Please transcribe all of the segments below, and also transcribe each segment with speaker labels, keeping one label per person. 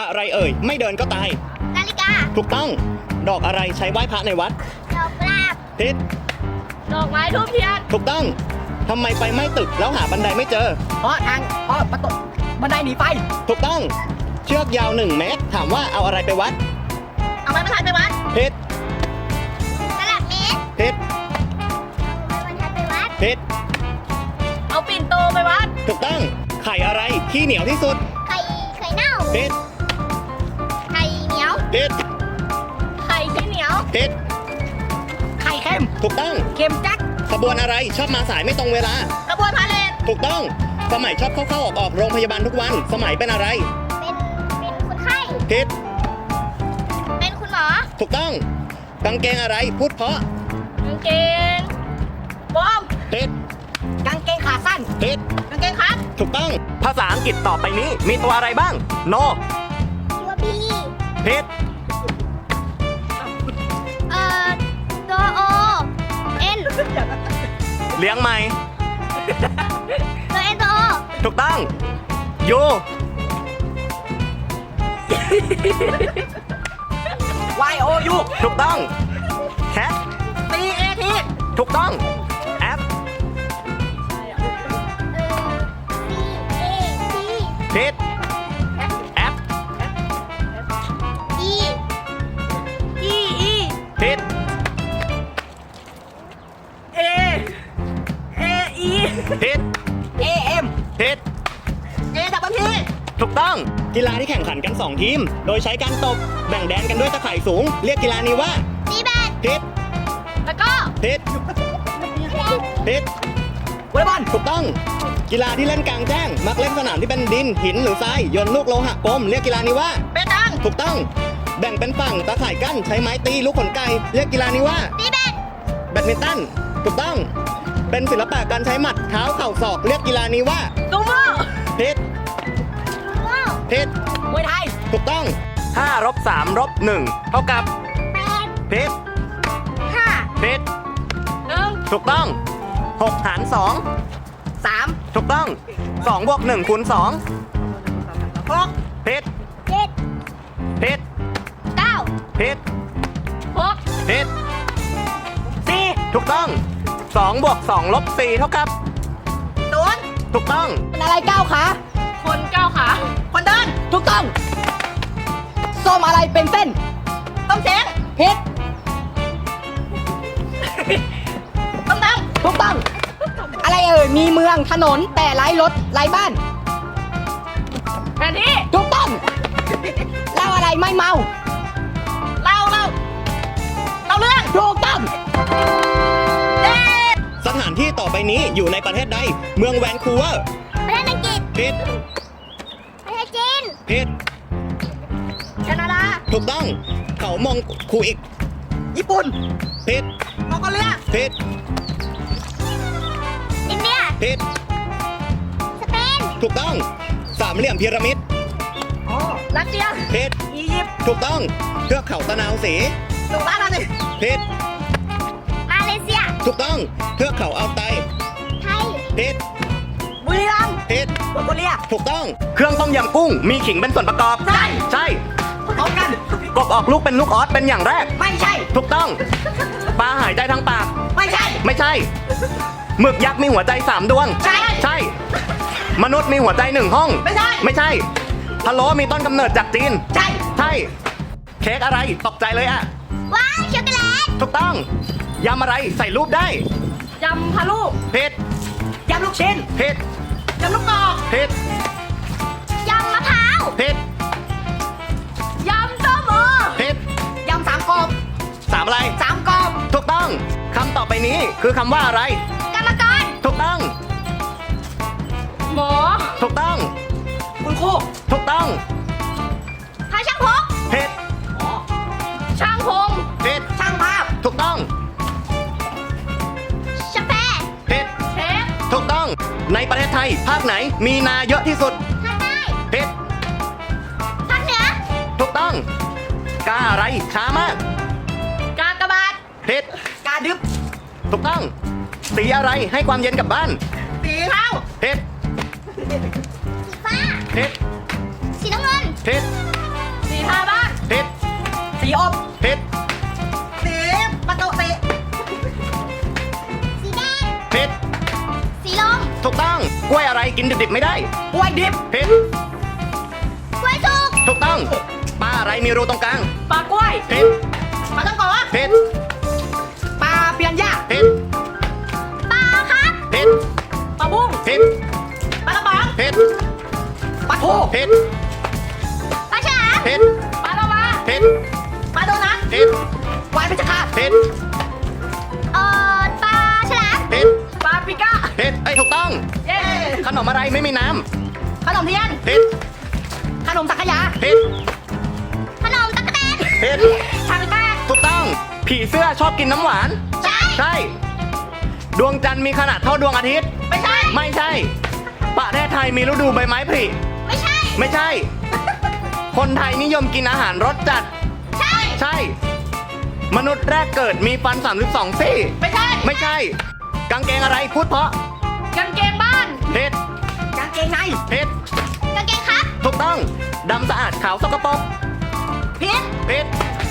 Speaker 1: อะไรเอ่ยไม่เดินก็ตาย
Speaker 2: นาฬิกา
Speaker 1: ถูกต้องดอกอะไรใช้ไหว้พระในวัด
Speaker 2: ดอกกุหลาบ
Speaker 1: ผิด
Speaker 2: ดอกไม้ทูบเทียน
Speaker 1: ถูกต้องทำไมไฟไหม้ตึกแล้วหาบันไดไม่เจอ
Speaker 3: เพราะประตูบันไดหนีไฟ
Speaker 1: ถูกต้องเชือกยาว1 เมตรถามว่าเอาอะไรไปวัด
Speaker 2: เอาไม้บรรทัดไปวัด
Speaker 1: ผิด
Speaker 2: ตลับเมตร
Speaker 1: ผิด
Speaker 2: เอาไม้บรรทัดไปวัด
Speaker 1: ผิด
Speaker 2: เอาปิ่นโตไปวัด
Speaker 1: ถูกต้องไข่อะไรที่เหนียวที่สุด
Speaker 2: ไข่เน่า
Speaker 1: ผิด
Speaker 2: ไข่เหนียว
Speaker 1: ผิด
Speaker 2: ไข่ที่เหนียว
Speaker 1: ผิด
Speaker 3: ไข่เค็ม
Speaker 1: ถูกต้อง
Speaker 3: เค็มจัก
Speaker 1: ขบวนอะไรชอบมาสายไม่ตรงเวลา
Speaker 2: ขบวนพาเหรด
Speaker 1: ถูกต้องสมัยชอบเข้าออกโรงพยาบาลทุกวันสมัยเป็นอะไร
Speaker 2: เป็นคนไข้
Speaker 1: ผิด
Speaker 2: เป็นคุณหมอ
Speaker 1: ถูกต้องกางเกงอะไรพูดเพราะ
Speaker 2: กางเกงบอม
Speaker 1: ผิด
Speaker 3: กางเกงขาสั้น
Speaker 1: ผิด
Speaker 2: กางเกงครับ
Speaker 1: ถูกต้องภาษาอังกฤษต่อไปนี้มีตัวอะไรบ้างโน
Speaker 2: ตัวบี
Speaker 1: ผิด
Speaker 2: ตัวโอเอ็น
Speaker 1: เลี้ยงไหม
Speaker 2: ตัวเอ็นตัวโอ
Speaker 1: ถูกต้องยู
Speaker 3: Y O U
Speaker 1: ถูกต้องแคท
Speaker 3: C A T
Speaker 1: ถูกต้องแอป
Speaker 2: C A T
Speaker 1: ผิดแอป
Speaker 2: E E E
Speaker 1: ผิด
Speaker 3: A E
Speaker 1: ผิด
Speaker 3: A M
Speaker 1: ผิด
Speaker 3: A W P
Speaker 1: ถูกต้องกีฬาที่แข่งขันกัน2 ทีมโดยใช้การตบแบ่งแดนกันด้วยตะข่ายสูงเรียกกีฬานี้ว่า
Speaker 2: ตีแบด
Speaker 1: ผิด
Speaker 2: แล้วก็
Speaker 1: ผิดผิด
Speaker 3: วอลเลย์บอล
Speaker 1: ถูกต้องกีฬาที่เล่นกลางแจ้งมักเล่นสนามที่เป็นดินหินหรือทรายโยนลูกโลหะกลมเรียกกีฬานี้ว่า
Speaker 2: เปตัง
Speaker 1: ถูกต้องแบ่งเป็นฝั่งตะข่ายกั้นใช้ไม้ตีลูกขนไก่เรียกกีฬานี้ว่า
Speaker 2: ตีแบด
Speaker 1: แบดมินตันถูกต้องเป็นศิลปะการใช้หมัดเท้าเข่าศอกเรียกกีฬานี้ว่า
Speaker 2: ซูโม่
Speaker 1: ผิดผิด
Speaker 3: มวยไทย
Speaker 1: ถูกต้อง5 - 3 - 1เท่ากับ
Speaker 2: 8
Speaker 1: ผิด
Speaker 2: 5
Speaker 1: ผิด
Speaker 2: 1
Speaker 1: ถูกต้อง6 หาร 2
Speaker 3: 3
Speaker 1: ถูกต้อง2 บวก 1 คูณ 2
Speaker 3: 6
Speaker 1: ผิด
Speaker 2: 7
Speaker 1: ผิด
Speaker 2: 9
Speaker 1: ผิด
Speaker 2: 6
Speaker 1: ผิด
Speaker 3: 4
Speaker 1: ถูกต้อง2 บวก 2 ลบ 4 เท่ากับ
Speaker 3: 0
Speaker 1: ถูกต้อง
Speaker 3: เป็นอะไร9 ขา
Speaker 2: คน9 ขา
Speaker 3: คนเดินถูกต้องส้มอะไรเป็นเส้น
Speaker 2: ต้มเช้ง
Speaker 3: ผิด
Speaker 2: ต้มตำ
Speaker 3: ถูกต้องอะไรเอ่ยมีเมืองถนนแต่ไร้รถไร้บ้าน
Speaker 2: แผนที่
Speaker 3: ถูกต้องเล่าอะไรไม่เมา
Speaker 2: เล่าเรื่อง
Speaker 3: ถูกต้อง
Speaker 1: สถานที่ต่อไปนี้อยู่ในประเทศใดเมืองแวนคูเวอร์
Speaker 2: ประเทศอังกฤษ
Speaker 1: ผิด
Speaker 2: ประเทศจีน
Speaker 1: ผิด
Speaker 2: แคนาดา
Speaker 1: ถูกต้องเขามองคูอีก
Speaker 3: ญี่ปุ่น
Speaker 1: ผิด
Speaker 3: มองโกเลีย
Speaker 1: ผิด
Speaker 2: อินเดีย
Speaker 1: ผิด
Speaker 2: สเปน
Speaker 1: ถูกต้องสามเหลี่ยมพีระมิด
Speaker 3: รัสเซีย
Speaker 1: ผิด
Speaker 3: อียิปต์
Speaker 1: ถูกต้องเทือกเขาตะนาวศรี
Speaker 3: สุราษฎร์ธานี
Speaker 1: ผิด
Speaker 2: มาเลเซีย
Speaker 1: ถูกต้องเทือกเขาอัลไต
Speaker 2: ไทย
Speaker 1: ผิด
Speaker 3: บุรีรัมย์
Speaker 1: ผิด
Speaker 3: มองโกเลีย
Speaker 1: ถูกต้องเครื่องต้มยำกุ้งมีขิงเป็นส่วนประกอบใช่
Speaker 3: พร้อมกัน
Speaker 1: กบออกลูกเป็นลูกออสเป็นอย่างแรก
Speaker 3: ไม่ใช่
Speaker 1: ถูกต้องปลาหายใจทางปาก
Speaker 3: ไม่ใช่
Speaker 1: หมึกยักษ์มีหัวใจ3 ดวงใช่มนุษย์มีหัวใจ1 ห้อง
Speaker 3: ไม่ใช่
Speaker 1: พะโล้มีต้นกำเนิดจากจีน
Speaker 3: ใช่
Speaker 1: เค้กอะไรตกใจเลยอะ
Speaker 2: ว้าวช็อกโกแลต
Speaker 1: ถูกต้องยำอะไรใส่รูปได้
Speaker 2: ยำพะลูก
Speaker 1: ผิด
Speaker 3: ยำลูกชิ้น
Speaker 1: ผิด
Speaker 3: ยำลูกกรอก
Speaker 1: ผิด
Speaker 2: ยำมะพร้าว
Speaker 1: ผิด
Speaker 2: ยำส้มโอ
Speaker 1: ผิด
Speaker 3: ยำ3 กรอบ
Speaker 1: 3 อะไร
Speaker 3: 3 กรอบ
Speaker 1: ถูกต้องคำต่อไปนี้คือคำว่าอะไร
Speaker 2: กรรมกร
Speaker 1: ถูกต้อง
Speaker 2: หมอ
Speaker 1: ถูกต้อง
Speaker 3: คุณครู
Speaker 1: ถูกต้อง
Speaker 2: พาช่างพก
Speaker 1: ผิด
Speaker 2: ช่างพง
Speaker 1: ผิด
Speaker 3: ช่างภาพ
Speaker 1: ถูกต้อง
Speaker 2: ชาแพ
Speaker 1: ผิด
Speaker 2: เชฟ
Speaker 1: ถูกต้องในประเทศไทยภาคไหนมีนาเยอะที่สุด
Speaker 2: ภาคใต้
Speaker 1: ผิด
Speaker 2: ภาคเหนือ
Speaker 1: ถูกต้องกาอะไรช้ามาก
Speaker 2: กากบาท
Speaker 1: ผิด
Speaker 3: กาดึบ
Speaker 1: ถูกต้องสีอะไรให้ความเย็นกับบ้าน
Speaker 3: สีเทา
Speaker 1: ผิด
Speaker 2: สีฟ้า
Speaker 1: ผิด
Speaker 2: สีน้ำเงิน
Speaker 1: ผิด
Speaker 3: สีอบ
Speaker 1: ผิด
Speaker 2: สีประตูสี
Speaker 4: สีแดง
Speaker 1: ผิด
Speaker 4: สีลม
Speaker 1: ถูกต้องกล้วยอะไรกินดิบๆไม่ได้
Speaker 3: กล้วยดิบ
Speaker 1: ผิด
Speaker 4: กล้วยสุก
Speaker 1: ถูกต้องปลาอะไรมีรูตรงกลาง
Speaker 3: ปลากล้วย
Speaker 1: ผิด
Speaker 2: ปลาต้องโกะ
Speaker 1: ผิด
Speaker 3: ปลาเปียนย่า
Speaker 1: ผิด
Speaker 4: ปลาครับ
Speaker 1: ผิด
Speaker 3: ปลาบุ้ง
Speaker 1: ผิด
Speaker 2: ปลากระป๋อง
Speaker 1: ผิด
Speaker 3: ปลาทู
Speaker 1: ผิด
Speaker 4: ปลาฉลาม
Speaker 1: ผิด
Speaker 3: ปลาโลมา
Speaker 1: ผิด
Speaker 2: ปลาโดนัท
Speaker 1: ผิด
Speaker 3: วายเพชรฆาต
Speaker 1: ผิด
Speaker 4: ปลาฉลาม
Speaker 1: ผิด
Speaker 3: ปลาปิก้า
Speaker 1: ผิดถูกต้อง
Speaker 3: เย้
Speaker 1: ขนมอะไรไม่มีน้
Speaker 2: ขนมเทียน
Speaker 1: ำผิด
Speaker 3: ขนมสังขยา
Speaker 1: ผิด
Speaker 4: ขนมตั๊กแตน
Speaker 1: ผิด
Speaker 3: ชาปิก้า
Speaker 1: ถูกต้อง ผีเสื้อชอบกินน้ำหวาน
Speaker 4: ใช่
Speaker 1: ใช่ ดวงจันทร์มีขนาดเท่าดวงอาทิตย์
Speaker 2: ไม่ใช่
Speaker 1: ไม่ใช่ ประเทศไทยมีฤดูใบไม้ผลิ
Speaker 4: ไม่ใช่
Speaker 1: ไม่ใช่ คนไทยนิยมกินอาหารรสจัด
Speaker 4: ใช่
Speaker 1: ใช่ มนุษย์แรกเกิดมีฟัน 32 ซี่
Speaker 2: ไม่ใช่
Speaker 1: ไม่ใช่ กางเกงอะไรพูดเพราะ
Speaker 3: กางเกงบ้าน
Speaker 1: ผิด
Speaker 3: กางเกงใน
Speaker 1: ผิด
Speaker 4: กางเกงครับ
Speaker 1: ถูกต้อง ดำสะอาดขาวสกปรก
Speaker 2: พิษ
Speaker 1: ผิด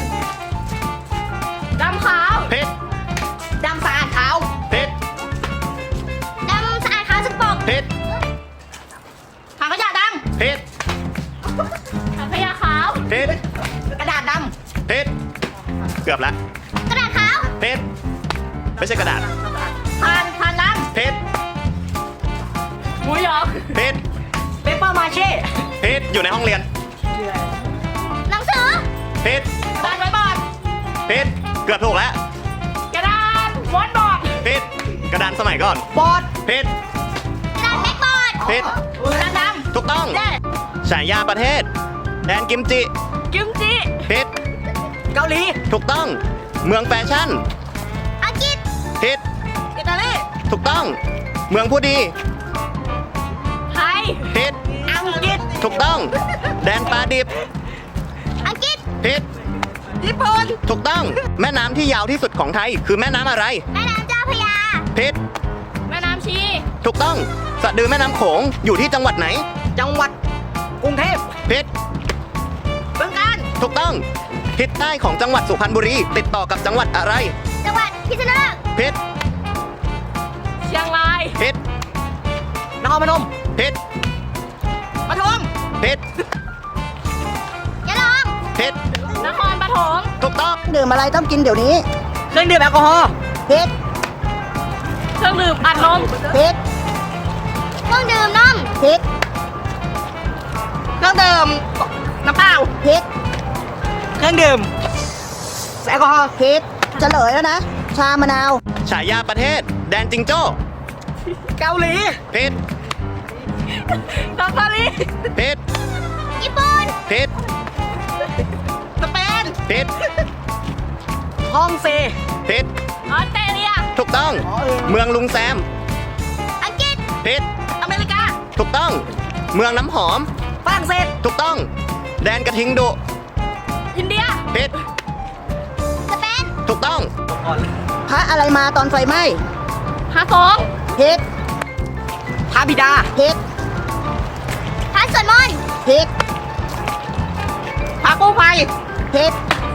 Speaker 3: ดำขาว
Speaker 1: ผิด
Speaker 3: ดำสะอาดขาว
Speaker 1: ผิด
Speaker 4: ดำสะอาดขาวสกปรก
Speaker 1: ผิด
Speaker 2: ถังขยะด
Speaker 1: ผิด
Speaker 3: ถังขยะขาว
Speaker 1: ผิด
Speaker 3: กระดาษด
Speaker 1: ผิด เกือบแล้ว
Speaker 4: กระดาษขาว
Speaker 1: ผิด ไม่ใช่กระดาษ
Speaker 2: ำผ่านน้
Speaker 1: ผิด
Speaker 3: ำหมูหยอง
Speaker 1: ผิด
Speaker 3: เปเปอร์มาเช่
Speaker 1: ผิด อยู่ในห้องเรียน
Speaker 4: หนังสือ
Speaker 1: ผิด
Speaker 2: ำกระดาษไว้บอร์ด
Speaker 1: ผิด เกือบถูกแล้ว
Speaker 3: กระดานม้วนบอร์ด
Speaker 1: ผิด กระดานสมัยก่อน
Speaker 3: บอร์ด
Speaker 1: ผิด
Speaker 4: กระดาษแบ็กบอร์ด
Speaker 1: ผิด
Speaker 2: กระดาษด
Speaker 1: ถูกต้อง
Speaker 2: ำเย้
Speaker 1: ฉายาประเทศ แดนกิมจิ
Speaker 3: กิมจิ
Speaker 1: ผิด
Speaker 3: เกาหลี
Speaker 1: ถูกต้อง เมืองแฟชั่น
Speaker 4: อังกฤษ
Speaker 1: ผิด
Speaker 2: อิตาลี
Speaker 1: ถูกต้อง เมืองผู้ดี
Speaker 3: ไทย
Speaker 1: ผิด
Speaker 3: อังกฤษ
Speaker 1: ถูกต้อง แดนปลาดิบ
Speaker 4: อังกฤษ
Speaker 1: ผิด
Speaker 2: ญี่ปุ่น
Speaker 1: ถูกต้อง แม่น้ำที่ยาวที่สุดของไทย คือแม่น้ำอะไร
Speaker 4: แม่น้ำเจ้าพระยา
Speaker 1: ผิด
Speaker 3: แม่น้ำชี
Speaker 1: ถูกต้อง สะดือแม่น้ำโขงอยู่ที่จังหวัดไหน
Speaker 3: จังหวัดกรุงเทพ
Speaker 1: ผิด
Speaker 2: บึงการ
Speaker 1: ถูกต้อง ทิศใต้ของจังหวัดสุพรรณบุรี ติดต่อกับจังหวัดอะไร
Speaker 4: จังหวัดพิษณุโลก
Speaker 1: ผิด
Speaker 3: เชียงราย
Speaker 1: ผิด
Speaker 3: นครพนม
Speaker 1: ผิด
Speaker 2: ปทุม
Speaker 1: ผิด
Speaker 4: ยะลอง
Speaker 1: ผิด
Speaker 3: นครปฐม
Speaker 1: ถูกต้อง
Speaker 3: ดื่มอะไรต้องกินเดี๋ยวนี้ เครื่องดื่มแอลกอฮอล์เพชรเครื่องดื่มอัดลมเพชร
Speaker 4: เครื่องดื่มนม
Speaker 3: เพชร
Speaker 2: เครื่องดื่มน้ำเปล่า
Speaker 3: เพชรเครื่องดื่มแอลกอฮอล์เพชรเฉลยแล้วนะ ชามะนาว
Speaker 1: ฉายาประเทศ แดนจิงโจ้
Speaker 3: เกาหลี
Speaker 1: ผิด
Speaker 3: ซาฟารี
Speaker 1: ผิด
Speaker 4: ญี่ปุ่น
Speaker 1: ผิด
Speaker 2: สเปน
Speaker 1: ผิด
Speaker 3: ฮ่องเซ
Speaker 1: ผิด
Speaker 3: ออสเตรเลีย
Speaker 1: ถูกต้อง เมืองลุงแซม
Speaker 4: อังกฤษ
Speaker 1: ผิด
Speaker 2: อเมริกา
Speaker 1: ถูกต้อง เมืองน้ำหอม
Speaker 3: ฝรั่งเศส
Speaker 1: ถูกต้อง แดนกระทิงดุ
Speaker 3: อินเดีย
Speaker 1: ผิด
Speaker 4: สเปน
Speaker 1: ถูกต้อง
Speaker 3: พระอะไรมาตอนไฟไหม้ฮาสองเพชรพระบิดา เพชร
Speaker 4: พระสวดมนต์
Speaker 3: เพชร
Speaker 2: พากู้ภัย
Speaker 3: เพชร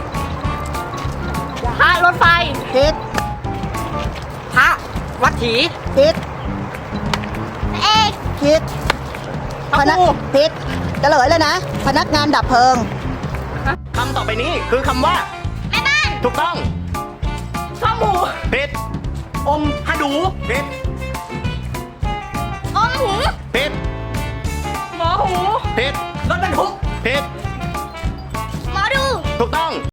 Speaker 3: พระรถไฟเพชรพระวัดถีเพชร
Speaker 4: พระเอก
Speaker 3: เพชรพนักเพชรเฉลยเลยนะ พนักงานดับเพลิง
Speaker 1: คำต่อไปนี้คือคำว่า
Speaker 4: แม่บ้าน
Speaker 1: ถูกต้อง
Speaker 3: ข้าวหมู
Speaker 1: ผิด
Speaker 3: อมฮะดู
Speaker 1: ผิด
Speaker 4: อมหู
Speaker 1: ผิด
Speaker 3: หมอหู
Speaker 1: ผิด
Speaker 3: รถบรรทุก
Speaker 1: ผิด
Speaker 4: หมอดู
Speaker 1: ถูกต้อง